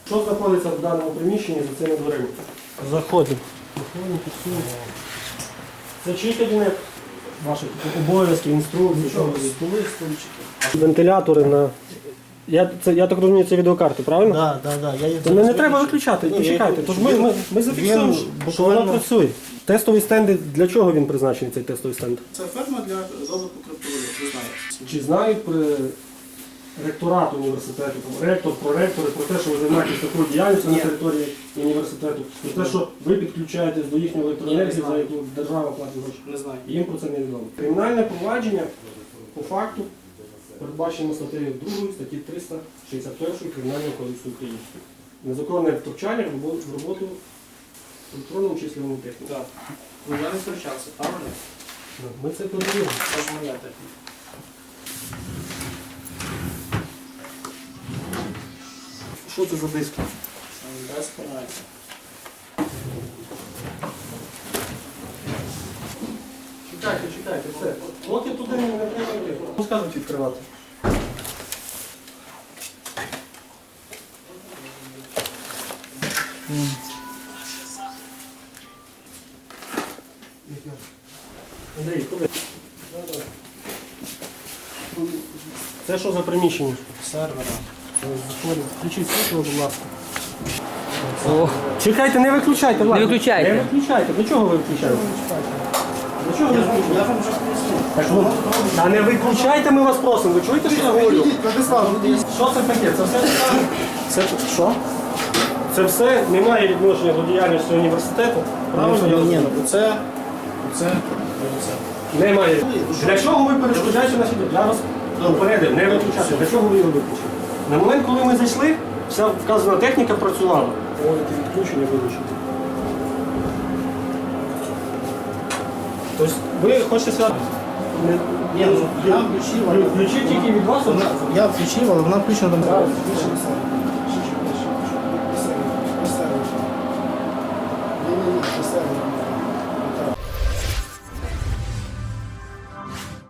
Що знаходиться в даному приміщенні за цими дверима? Заходимо. Це чий кабінет? Ваші обов'язки, інструкції, що ви? Столи, стульчики. Вентилятори на... Я так розумію, це відеокарти, правильно? Так. Я їх То не треба виключати, почекайте. Тож ми зафіксуємо, що воно працює. Тестовий стенд, для чого він призначений, цей тестовий стенд? Це ферма для розвитку криптовалют, ви знаєте. Чи знають при ректорат університету, там, ректор, проректори про те, що ви займаєтесь такою діяльністю на території університету, про те, що ви підключаєтесь до їхньої електроенергії, за яку держава платить гроші? Не знаю. Їм про це не відомо. Кримінальне провадження по факту передбачено статтею 2 статті 361 Кримінального кодексу України. Незаконне втручання в роботу електронному числовому техніку. Так. Ну я не втручався, правильно? Ми це перевіримо. Це ж моя техніка. Що це за диски? Без поняття. Чекайте, все. Поки туди не треба йти. Ну, скажуть відкривати. Андрій, куди? Це що за приміщення? Сервера. Заходимо. Включіть світло, будь ласка. Чекайте, не виключайте, ладно. Не виключайте. Не виключайте. До чого ви виключаєте? До чого ви Я виключаєте? вам вже пояснив. Так, ну, та не виключайте, ми вас просимо. Ви чуєте, що я говорю? Владислав, Що це таке? Це все таке? це що? Це все не має відношення до діяльності університету. Правильно? я Ні, розумію? ну це. Немає. Для чого ви перешкоджаєте на світло? Я вас попередив, не виключати. Для чого ви його виключили? На момент, коли ми зайшли, вся вказана техніка працювала. Проводити відключення, вилучити. Тобто ви хочете сказати? Ні, ну я включив, але Включив тільки від вас? я включив, але вона включена до мене.